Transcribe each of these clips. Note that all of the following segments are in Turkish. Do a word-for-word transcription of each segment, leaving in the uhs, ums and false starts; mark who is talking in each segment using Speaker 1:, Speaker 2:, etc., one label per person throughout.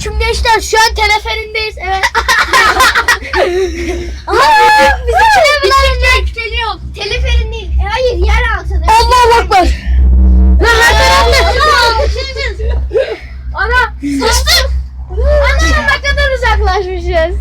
Speaker 1: Selamünaleyküm gençler. Şu an teleferindeyiz. Evet. Aa, bizimkiler bunlar geliyor.
Speaker 2: Teleferin değil. E, hayır yer altında.
Speaker 1: Allahu Ekber. Lan her tarafta.
Speaker 2: Ana. Sıçtık. Ana ne kadar uzaklaşmışız.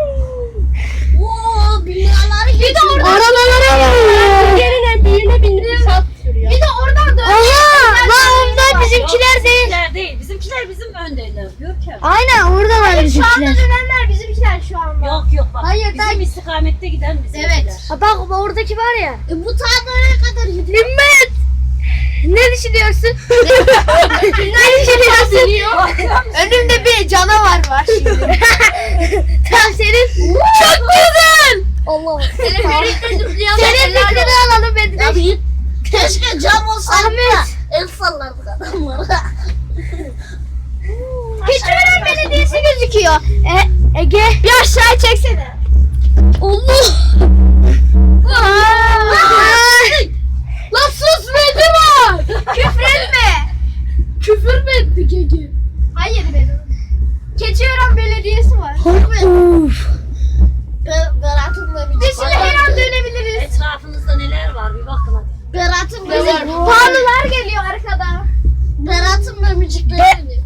Speaker 2: Oo binalar bir de orada.
Speaker 1: Arabalara var.
Speaker 2: Yerine büyüğüne binip saat sürüyor. Bir de oradan dön.
Speaker 1: Aha. Lan onlar bizimkiler değil.
Speaker 3: Bizimkiler değil. Bizimkiler bizim öndeler. Görkem.
Speaker 1: Aynen orada var
Speaker 2: Şu anda
Speaker 1: bizimkiler.
Speaker 2: dönenler bizimkiler şu anda.
Speaker 3: Yok yok bak.
Speaker 2: Hayır,
Speaker 3: bizim
Speaker 2: ben-
Speaker 3: istikamette giden bizimkiler.
Speaker 2: Evet.
Speaker 1: Ha bak oradaki var ya.
Speaker 2: E, bu tağlara kadar gidiyor.
Speaker 1: Himmet. Ne düşünüyorsun? ne düşünüyorsun?
Speaker 2: Önümde bir canavar var şimdi.
Speaker 1: Tam senin. Çok güzel. Allah.
Speaker 2: Teleferikte zıplayan
Speaker 1: Senin fikrini alalım ben de.
Speaker 2: Keşke cam olsaydı
Speaker 1: Ahmet.
Speaker 2: da el sallardık adamlara. Keçiören Belediyesi gözüküyor.
Speaker 1: E, Ege.
Speaker 2: Bir aşağı çeksene.
Speaker 1: Allah.
Speaker 2: Lan sus bedi var. Küfür etme. Küfür mü ettik Ege? Hayır benim. Keçiören Belediyesi var.
Speaker 1: Uf.
Speaker 2: Berat'ımla bir Biz şimdi her an dönebiliriz.
Speaker 3: Etrafınızda neler var bir bakın hadi.
Speaker 2: Berat'ımla
Speaker 1: Bizim
Speaker 2: Pahalılar geliyor arkada. Berat'ımla müzikler geliyor.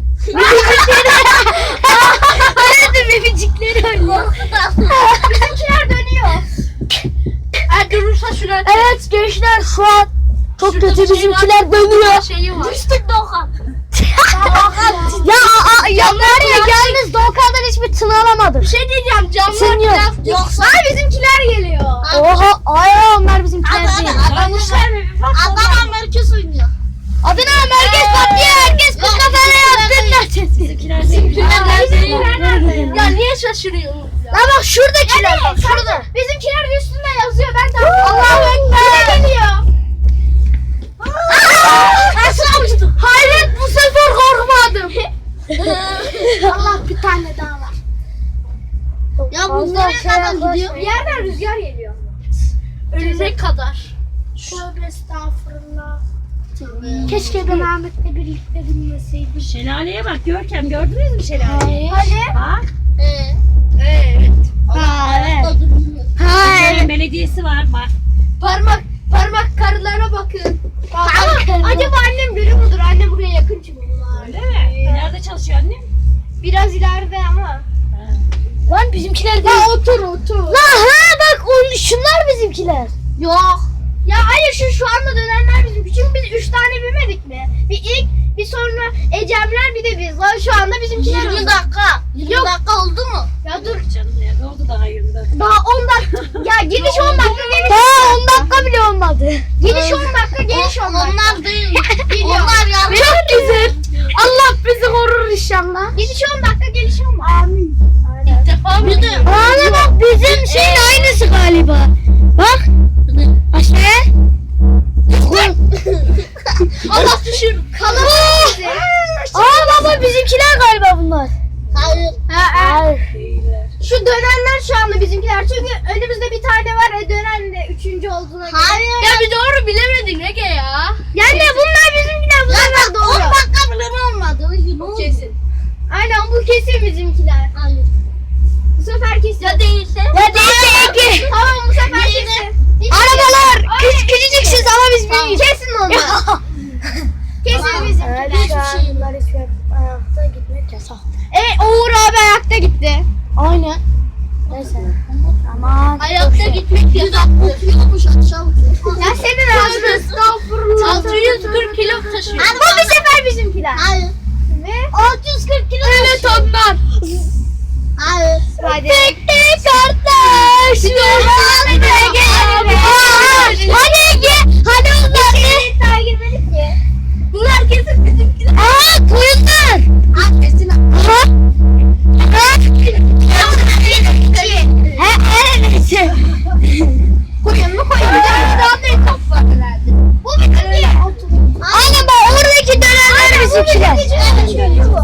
Speaker 1: Hadi bebecikleri oynuyor.
Speaker 2: Bizimkiler dönüyor. Eğer durursa şuraya
Speaker 1: Evet gençler şu an çok kötü bizimkiler dönüyor.
Speaker 2: şeyi var. Düştük Doğan.
Speaker 1: Ya a, a, ya var ya yalnız Doğukan'dan hiçbir tını alamadım.
Speaker 2: Bir şey diyeceğim camlar
Speaker 1: Sen yok.
Speaker 2: biraz yoksa. Ay bizimkiler geliyor.
Speaker 1: Oha ay onlar bizimkiler değil.
Speaker 3: Görmüşler mi bir bak.
Speaker 2: Adana merkez oynuyor.
Speaker 1: Adına merkez patlıyor herkes bu kafana yaptı.
Speaker 3: Bizimkiler değil.
Speaker 2: Ya niye şaşırıyorsun?
Speaker 1: La bak şuradakiler bak şurada.
Speaker 2: Bizimkiler üstünde yazıyor. Ben de Allahu Ekber. Yine geliyor. Aşağı uçtum.
Speaker 1: Hayret bu sefer korkmadım.
Speaker 2: Allah bir tane daha var. Ya bu nereye kadar gidiyor? Bir yerden rüzgar geliyor. Önüne kadar. Tövbe estağfurullah.
Speaker 1: Keşke ben Ahmet'le birlikte binmeseydim.
Speaker 3: Şelaleye bak Görkem gördünüz mü şelaleyi?
Speaker 2: Hadi.
Speaker 3: Bak.
Speaker 2: Ee, evet.
Speaker 1: Ha evet.
Speaker 3: Ha,
Speaker 1: Ha evet.
Speaker 3: belediyesi var bak.
Speaker 2: Parmak parmak karılara bakın. Ama
Speaker 1: karılara.
Speaker 2: acaba annem görüyor mudur? Annem buraya yakın çünkü bunlar.
Speaker 3: Öyle mi? Nerede çalışıyor annem?
Speaker 2: Biraz ileride ama.
Speaker 1: Lan bizimkiler değil.
Speaker 2: Ya otur otur.
Speaker 1: La ha bak on, şunlar bizimkiler.
Speaker 2: Yok. Ya hayır şu şu anda dönenler bizim. Çünkü biz üç tane binmedik mi? Bir ilk bir sonra Ecemler bir de biz. Lan şu anda bizimkiler.
Speaker 1: yirmi
Speaker 2: dakika. yirmi dakika oldu mu? Ya dur.
Speaker 3: Canım nerede oldu daha yirmi dakika.
Speaker 2: Daha on dakika. Ya gidiş on dakika geliş.
Speaker 1: Daha on dakika bile olmadı.
Speaker 2: Gidiş on dakika geliş on dakika. Onlar değil. Onlar ya.
Speaker 1: Çok güzel. Allah bizi korur inşallah.
Speaker 2: Gidiş on dakika geliş on dakika. Amin. İlk defa bir de.
Speaker 1: Aa bak bizim şeyin aynısı galiba. Bak. Aşağıya.
Speaker 2: Allah düşür. Kalabalık bizi.
Speaker 1: Aa baba bizimkiler galiba bunlar.
Speaker 2: Hayır. Ha, ha.
Speaker 1: Hayır.
Speaker 3: Değiller.
Speaker 2: Şu dönenler şu anda bizimkiler. Çünkü önümüzde bir tane var. E dönen de üçüncü olduğuna göre.
Speaker 1: Hayır.
Speaker 2: Ya bir doğru bilemedin Ege ya. Yani bunlar bizimkiler. Bunlar doğru. on dakika bile olmadı. Kesin. Aynen bu kesin bizimkiler. Hayır. Bu sefer kesin. Ya değilse?
Speaker 1: Ya değilse Ege.
Speaker 2: Tamam bu sefer kesin. Hiç
Speaker 1: Arabalar
Speaker 2: Ay.
Speaker 1: küçük küçücüksünüz ama biz
Speaker 2: Tamam.
Speaker 1: büyüğüz.
Speaker 2: Kesin onlar. Kesin bizimkiler. Hiçbir şeyim yok.
Speaker 1: Ayakta gitmek yasak.
Speaker 2: E Uğur abi ayakta gitti.
Speaker 1: Aynen. Neyse. Aman.
Speaker 2: Ayakta gitmek yasaktır. Yokmuş aşağı Ya senin ağzın. Estağfurullah. altı yüz kırk kilo taşıyor. Bu bir sefer bizimkiler. Hayır. Ne? altı yüz kırk kilo evet onlar. Hayır. Hadi.
Speaker 1: Tek tek kardeş.
Speaker 2: Hadi Ege.
Speaker 1: Hadi Ege. Hadi onlar ne?
Speaker 2: Takip edip ki. Bunlar kesin bizimkiler.
Speaker 1: Aa koyunlar.
Speaker 2: Aa kesin.
Speaker 1: Aha. Aha. He he neyse.
Speaker 2: Koyun mu koyun? Bir tane daha da top var herhalde. Bu bizimki.
Speaker 1: Aynen bak oradaki dönenler bizimkiler.
Speaker 2: bizimkiler.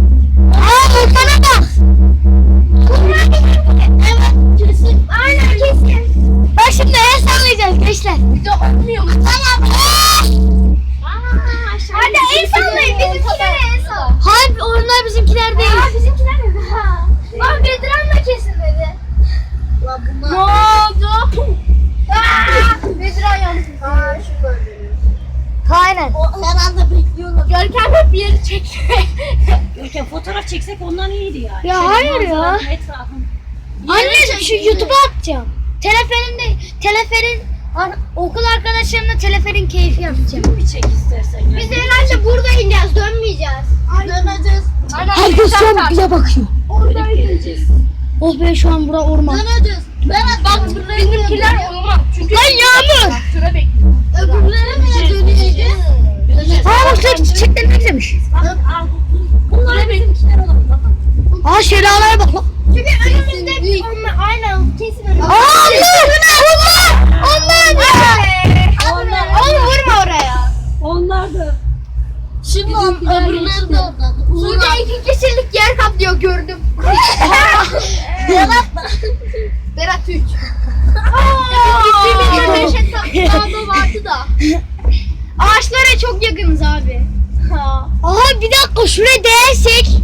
Speaker 1: Aa Volkan'a bak.
Speaker 2: Bunlar bizimki. Evet kesin. Aynen kesin.
Speaker 1: bizimkiler değil.
Speaker 2: Aa bizimkiler mi? Lan Bedran da kesilmedi. Lan bunlar. Ne oldu? Aaa! Bedran yandı. Aa şu böyle.
Speaker 1: Aynen.
Speaker 2: O herhalde bekliyorlar. Görkem hep bir yeri çekti.
Speaker 3: Görkem fotoğraf çeksek ondan iyiydi ya.
Speaker 1: Ya
Speaker 3: Şöyle
Speaker 1: hayır ya.
Speaker 3: manzaranın etrafını.
Speaker 1: Anne şu YouTube'a atacağım. Teleferinde teleferin an- okul arkadaşlarımla teleferin keyfi yapacağım.
Speaker 3: Bir çek istersen. Yani.
Speaker 2: Biz herhalde burada ineceğiz, dönmeyeceğiz. Döneceğiz.
Speaker 1: Herkes şu an bize bakıyor.
Speaker 3: Dönüp geleceğiz.
Speaker 1: Oh be şu an bura orman.
Speaker 2: Döneceğiz. Berat bak bizimkiler olmaz. Çünkü
Speaker 1: Lan Yağmur.
Speaker 2: sıra bekliyor. Öbürlere mi döneceğiz?
Speaker 3: Döneceğiz.
Speaker 1: Aa bak sen çiçekler ne güzelmiş.
Speaker 3: Bak, al, bu- Bunlar bizimkiler olur. Bakın.
Speaker 1: Aa şelaleye bak lan.
Speaker 2: Çünkü önümüzde onlar aynen kesin önümüzde.
Speaker 1: Aa onlar. Onlar. Onlar.
Speaker 2: Onlar. Oğlum vurma oraya.
Speaker 3: Onlar da.
Speaker 2: Şimdi öbürleri de orada. Suda iki kişilik yer kaplıyor gördüm. Berat Berat üç. Bizim Neşet Dağ'da vardı da. Ağaçlara çok yakınız abi.
Speaker 1: Aa bir dakika şuraya değersek.